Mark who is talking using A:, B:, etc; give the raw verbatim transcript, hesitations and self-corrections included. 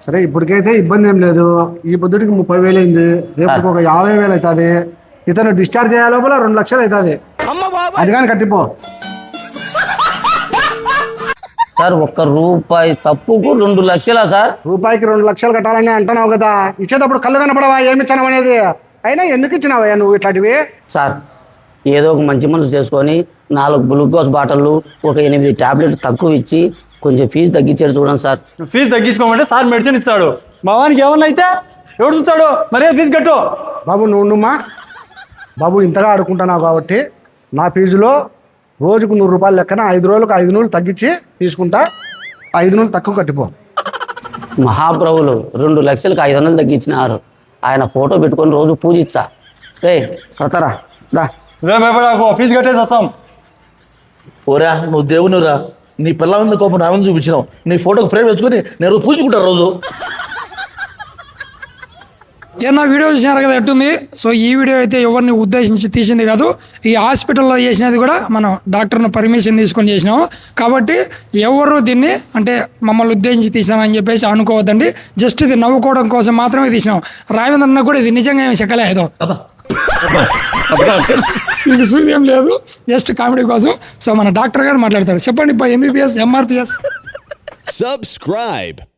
A: సరే ఇప్పటికైతే ఇబ్బంది ఏం లేదు. ఈ పొద్దుటికి ముప్పై వేలు అయింది, రేపు ఒక యాభై వేలు అవుతుంది. ఇతను డిశ్చార్జ్ చేయ లోపల రెండు లక్షలు అవుతుంది. అది కానీ కట్టిపో.
B: సార్ ఒక్క రూపాయి తప్పుకు రెండు లక్షలా సార్?
A: రూపాయికి రెండు లక్షలు కట్టాలని అంటున్నావు కదా, ఇచ్చేటప్పుడు కళ్ళు కనపడవా ఏమి ఇచ్చావు అనేది? అయినా ఎందుకు ఇచ్చినావా నువ్వు ఇట్లాంటివి?
B: సార్ ఏదో ఒక మంచి మనసు చేసుకొని నాలుగు గ్లూకోజ్ బాటిళ్ళు ఒక ఎనిమిది టాబ్లెట్ తక్కువ ఇచ్చి కొంచెం ఫీజు తగ్గించాడు చూడండి సార్.
C: ఫీజు తగ్గించుకోమంటే సార్ మెడిసిన్ ఇస్తాడు, మా వానికి ఏమన్నా అయితే ఎవడు చూస్తాడు? మరే ఫీజు కట్టు.
A: బాబు నువ్వు నుమ్మా బాబు, ఇంతగా ఆడుకుంటున్నావు కాబట్టి నా ఫీజులో రోజుకు నూరు రూపాయలు లెక్కన ఐదు రోజులకు ఐదు నూరు తగ్గించి తీసుకుంటా. ఐదు నూరు తక్కువ కట్టిపో.
B: మహాప్రభులు రెండు లక్షలకు ఐదు వందలు తగ్గించినారు. ఆయన ఫోటో పెట్టుకొని రోజు పూజిస్తా. రే కడతారా దా.
C: రేపు ఫీజు కట్టేసి వస్తాం.
D: ఓరా నువ్వు దేవునిరా, నీ పిల్ల ఉంది కోపం నా ముందు చూపించినావు. నీ ఫోటోకి ఫ్రేమ్ వేసుకొని నేను పూజుకుంటాను రోజు.
E: ఏమన్నా వీడియో చూసినారు కదా ఎట్టుంది. సో ఈ వీడియో అయితే ఎవరిని ఉద్దేశించి తీసింది కాదు. ఈ హాస్పిటల్లో చేసినది కూడా మనం డాక్టర్ను పర్మిషన్ తీసుకొని చేసినాము. కాబట్టి ఎవరు దీన్ని అంటే మమ్మల్ని ఉద్దేశించి తీసామని చెప్పేసి అనుకోవద్దండి. జస్ట్ ఇది నవ్వుకోవడం కోసం మాత్రమే తీసినాం. రావేంద్రన్న కూడా ఇది నిజంగా ఏమి చెక్కలే ఏదో ఇది సూర్యం లేదు, జస్ట్ కామెడీ కోసం. సో మన డాక్టర్ గారు మాట్లాడతారు. చెప్పండి ఎంబీబీఎస్ ఎంఆర్పిఎస్
F: Subscribe.